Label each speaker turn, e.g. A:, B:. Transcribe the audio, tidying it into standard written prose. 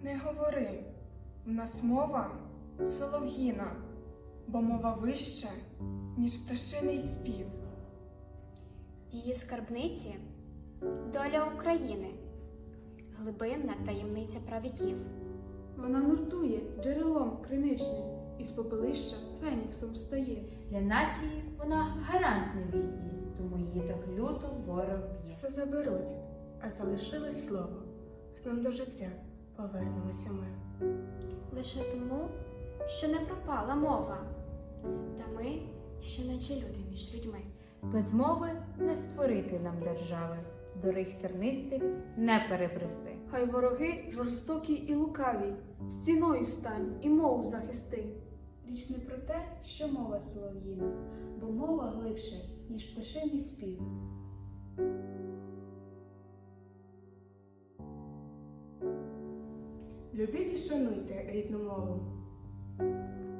A: Не говори, в нас мова солов'їна, бо мова вища, ніж пташиний спів.
B: В її скарбниці доля України, глибинна таємниця правіків.
C: Вона нуртує джерелом криничним, із попелища феніксом встає.
D: Для нації вона гарант на вічність, тому її так люто ворог б'є.
A: Все заберуть, а залишилось слово. Знов до життя повернемося ми.
B: Лише тому, що не пропала мова, та ми ще наче люди між людьми.
D: Без мови не створити нам держави, доріг тернистих не перебрести.
C: Хай вороги жорстокі і лукаві, стіною стань і мову захисти.
E: Річ не про те, що мова солов'їна, бо мова глибше, ніж пташиний спів.
A: Любіть і шануйте рідну мову.